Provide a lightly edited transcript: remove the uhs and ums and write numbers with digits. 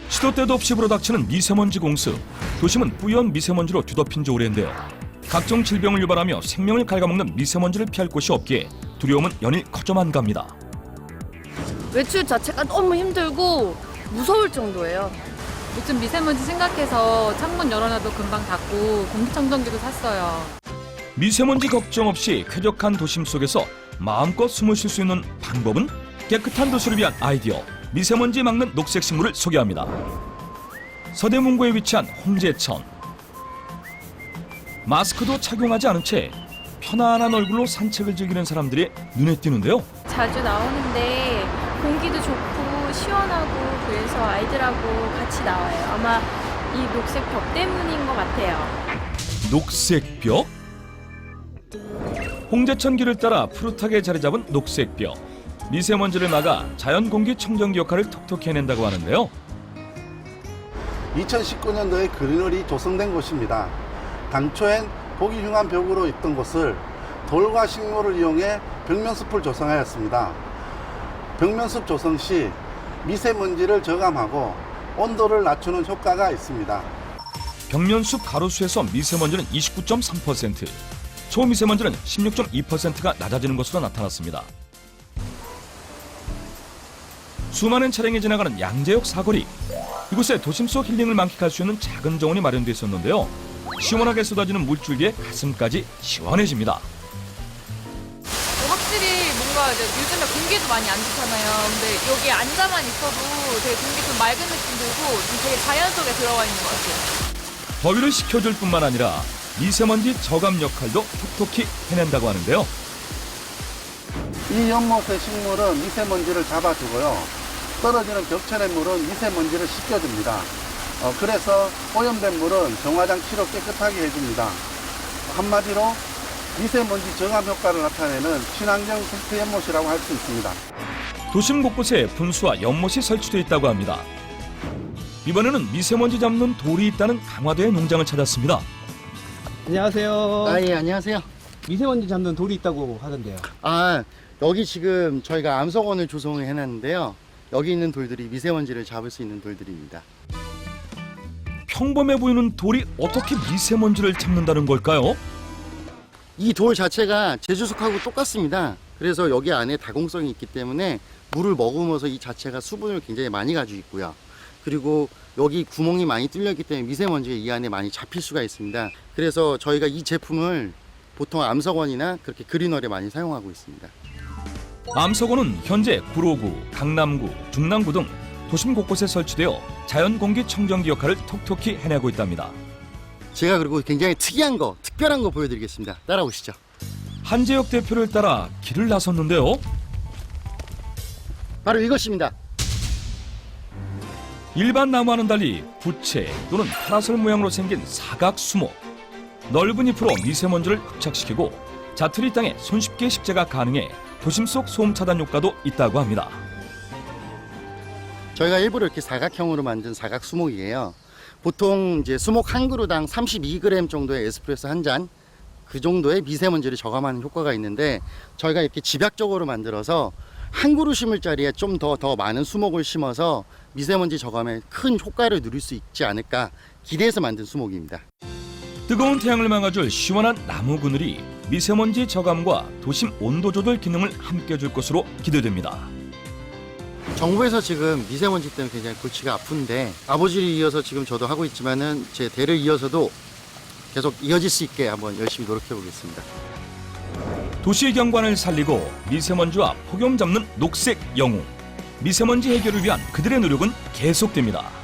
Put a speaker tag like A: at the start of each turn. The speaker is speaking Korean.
A: 시도 때도 없이 불어닥치는 미세먼지 공습. 도심은 뿌연 미세먼지로 뒤덮인 지 오래인데요. 각종 질병을 유발하며 생명을 갉아먹는 미세먼지를 피할 곳이 없기에 두려움은 연일 커져만 갑니다.
B: 외출 자체가 너무 힘들고 무서울 정도예요.
C: 요즘 미세먼지 생각해서 창문 열어놔도 금방 닫고 공기청정기도 샀어요.
A: 미세먼지 걱정 없이 쾌적한 도심 속에서 마음껏 숨을 쉴 수 있는 방법은? 깨끗한 도시를 위한 아이디어, 미세먼지 막는 녹색 식물을 소개합니다. 서대문구에 위치한 홍제천. 마스크도 착용하지 않은 채 편안한 얼굴로 산책을 즐기는 사람들이 눈에 띄는데요.
D: 자주 나오는데 공기도 좋고 시원하고 그래서 아이들하고 같이 나와요. 아마 이 녹색 벽 때문인 것 같아요.
A: 녹색 벽? 홍제천 길을 따라 푸릇하게 자리 잡은 녹색 벽. 미세먼지를 막아 자연 공기 청정기 역할을 톡톡히 해낸다고 하는데요.
E: 2019년도에 그린홀이 조성된 곳입니다. 당초엔 보기 흉한 벽으로 있던 곳을 돌과 식물을 이용해 벽면숲을 조성하였습니다. 벽면숲 조성 시 미세먼지를 저감하고 온도를 낮추는 효과가 있습니다.
A: 벽면숲 가로수에서 미세먼지는 29.3%, 초미세먼지는 16.2%가 낮아지는 것으로 나타났습니다. 수많은 차량이 지나가는 양재역 사거리. 이곳에 도심 속 힐링을 만끽할 수 있는 작은 정원이 마련되어 있었는데요. 시원하게 쏟아지는 물줄기에 가슴까지 시원해집니다.
C: 확실히 뭔가 이제 요즘에 공기도 많이 안 좋잖아요. 근데 여기 앉아만 있어도 되게 공기 좀 맑은 느낌 들고 좀 되게 자연 속에 들어와 있는 것 같아요.
A: 더위를 식혀줄 뿐만 아니라 미세먼지 저감 역할도 톡톡히 해낸다고 하는데요.
E: 이 연못의 식물은 미세먼지를 잡아주고요. 떨어지는 벽천의 물은 미세먼지를 씻겨줍니다. 그래서 오염된 물은 정화장 치로 깨끗하게 해줍니다. 한마디로 미세먼지 저감 효과를 나타내는 친환경 생태 연못이라고 할 수 있습니다.
A: 도심 곳곳에 분수와 연못이 설치되어 있다고 합니다. 이번에는 미세먼지 잡는 돌이 있다는 강화도의 농장을 찾았습니다.
F: 안녕하세요.
G: 예, 안녕하세요.
F: 미세먼지 잡는 돌이 있다고 하던데요.
G: 여기 지금 저희가 암석원을 조성을 해놨는데요. 여기 있는 돌들이 미세먼지를 잡을 수 있는 돌들입니다.
A: 평범해 보이는 돌이 어떻게 미세먼지를 잡는다는 걸까요?
G: 이 돌 자체가 제주석하고 똑같습니다. 그래서 여기 안에 다공성이 있기 때문에 물을 머금어서 이 자체가 수분을 굉장히 많이 가지고 있고요. 그리고 여기 구멍이 많이 뚫렸기 때문에 미세먼지가 이 안에 많이 잡힐 수가 있습니다. 그래서 저희가 이 제품을 보통 암석원이나 그렇게 그린월에 많이 사용하고 있습니다.
A: 암석원은 현재 구로구, 강남구, 중랑구 등 도심 곳곳에 설치되어 자연 공기 청정기 역할을 톡톡히 해내고 있답니다.
G: 제가 그리고 굉장히 특이한 거, 특별한 거 보여드리겠습니다. 따라오시죠.
A: 한재혁 대표를 따라 길을 나섰는데요.
G: 바로 이것입니다.
A: 일반 나무와는 달리 부채 또는 파라솔 모양으로 생긴 사각 수목. 넓은 잎으로 미세먼지를 흡착시키고 자투리 땅에 손쉽게 식재가 가능해 도심 속 소음 차단 효과도 있다고 합니다.
G: 저희가 일부러 이렇게 사각형으로 만든 사각 수목이에요. 보통 이제 수목 한 그루당 32g 정도의 에스프레소 한 잔, 그 정도의 미세먼지를 저감하는 효과가 있는데 저희가 이렇게 집약적으로 만들어서 한 그루 심을 자리에 좀 더 많은 수목을 심어서 미세먼지 저감에 큰 효과를 누릴 수 있지 않을까 기대해서 만든 수목입니다.
A: 뜨거운 태양을 막아줄 시원한 나무 그늘이 미세먼지 저감과 도심 온도 조절 기능을 함께 줄 것으로 기대됩니다.
G: 정부에서 지금 미세먼지 때문에 굉장히 골치가 아픈데 아버지를 이어서 지금 저도 하고 있지만은 제 대를 이어서도 계속 이어질 수 있게 한번 열심히 노력해 보겠습니다.
A: 도시 경관을 살리고 미세먼지와 폭염 잡는 녹색 영웅. 미세먼지 해결을 위한 그들의 노력은 계속됩니다.